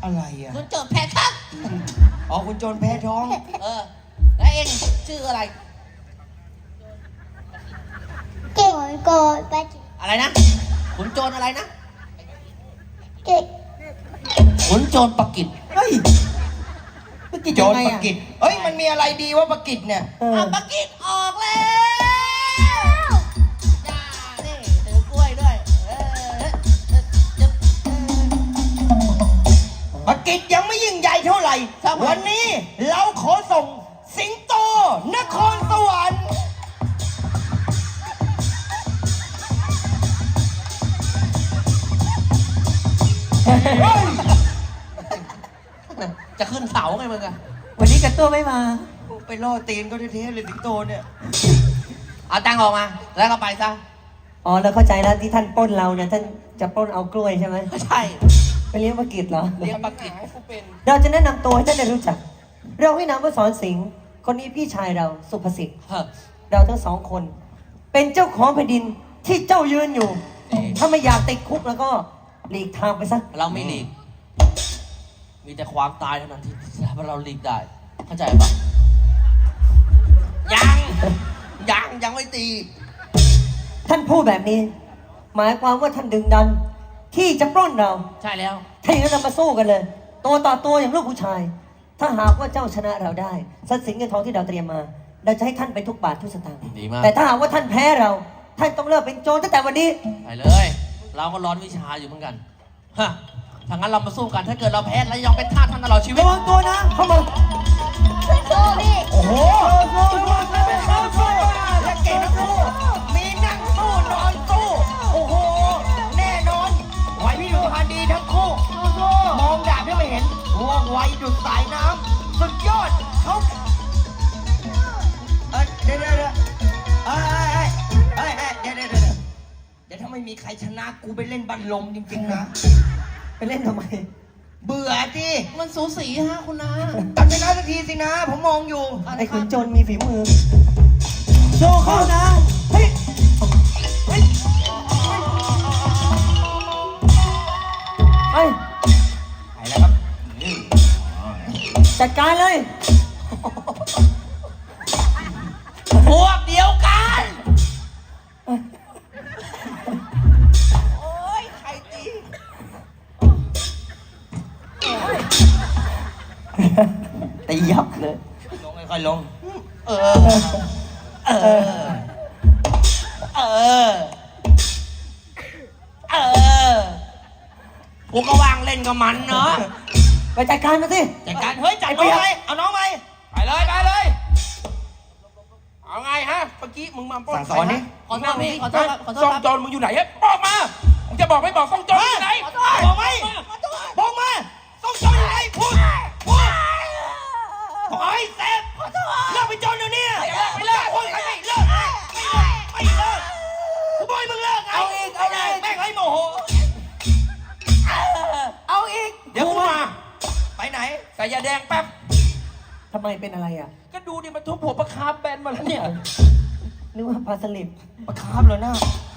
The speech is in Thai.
อะไรอ่ะคุณโจรแพ้ท้องอ๋อคุณโจรแพ้ท้องแล้วเองชื่ออะไรเก่งโกรธไปอะไรนะขุนโจรอะไรนะเก่งขุนโจรปกิจเฮ้ยปกิจโจรปกิจเอ้ยมันมีอะไรดีวะปกิจเนี่ยปกิจออกแล้วจ้านี่ถือกล้วยด้วยปกิจยังไม่ยิ่งใหญ่เท่าไหร่วันนี้เราขอส่งสิงโตนครสวรรค์จะขึ้นเสาไงมึงอะวันนี้กันตัวไม่มาไปล่อตีนก็เท่ๆเลยสิงโตเนี่ยเอาตังค์ออกมาแล้วก็ไปซะอ๋อแล้วเข้าใจแล้วที่ท่านปล้นเราเนี่ยท่านจะปล้นเอากล้วยใช่ไหมใช่ไปเลี้ยงปกิจเหรอเลี้ยงปกิจเราจะแนะนำตัวให้ท่านได้รู้จัก เราให้นามว่าสอนสิงห์คนนี้พี่ชายเราสุภสิทธิ์เราทั้งสองคน เป็นเจ้าของแผ่นดินที่เจ้ายืนอยู่ ถ้าไม่อยากติดคุกแล้วก็หลีกทางไปซะเราไม่หลีกมีแต่ความตายเท่านั้นที่เราหลีกได้เข้าใจปะยังไม่ตีท่านพูดแบบนี้ หมายความว่าท่านดึงดัน ที่จะปล้นเราใช่แล้วถ้าอย่างนั้นเรามาสู้กันเลย ตัวต่อตัวอย่างลูกผู้ชาย ถ้าหากว่าเจ้าชนะเราได้ทรัพย์สินเงินทองที่เราเตรียมมา เราจะให้ท่านเป็นทุกบาททุกสตางค์ดีมากแต่ถ้าหากว่าท่านแพ้เรา ท่านต้องเลิกเป็นโจรตั้งแต่วันนี้ไปเลย เราก็ร้อนวิชาอยู่เหมือนกันฮะถ้างั้นเรามาสู้กันถ้าเกิดเราแพ้แล้วยอมเป็นทาสท่านตลอดชีวิตระวังตัวนะ เข้ามาสู้พี่โอ้โหและเก่งทั้งคู่มีนั่งสู้นอนสู้โอ้โหแน่นอนไหวพริบพรรณดีทั้งคู่มองดาบที่ไม่เห็นว่องไวดุดสายน้ำสุดยอดเขาเดี๋ยวเดี๋ยวถ้าไม่มีใครชนะกูไปเล่นบัลลมจริงๆนะไปเล่นทำไมเบื่อจีมันสูสีฮะคุณนาตัดชนะสักทีสินะ ผมมองอยู่ไอ้ขุนโจรมีฝีมือโชว์เข้านะ เฮ้ยเฮ้ยเฮ้ยไปแล้วครับจัดการเลยพวกเดียวกันโอ้ยใครตีตียับเลยลงค่อยๆลงเออกูก็วางเล่นกับมันเนาะไปจัดการมาสิจัดการเฮ้ยจัดน้องไหมเอาน้องไหมไปเลยเอาไงฮะเมื่อกี้มึงมาปล้นสั่งสอนนี่ขอโทษพี่ขอโทษครับขอโทษซ่องครับโจรมึงอยู่ไหนฮะบอกมามึงจะบอกไม่บอกซ่องโจรอยู่ไหนบอกไหมบอกมาต้องจอยอะไรพูดขอให้เซฟเลิกไปจนเดี๋ยวนี้ไม่เลิกพูดใครไม่เลิกไม่เลิกกูบอกให้มึงเลิกไงแม่งให้โมโหเอาอีกเดี๋ยวกูมาไปไหนใส่ยาแดงแป๊บทำไมเป็นอะไรอ่ะก็ดูดิมันทุบหัวประคาบแบนมาแล้วเนี่ยนึกว่าปลาสลิดมาคาบเลยนะ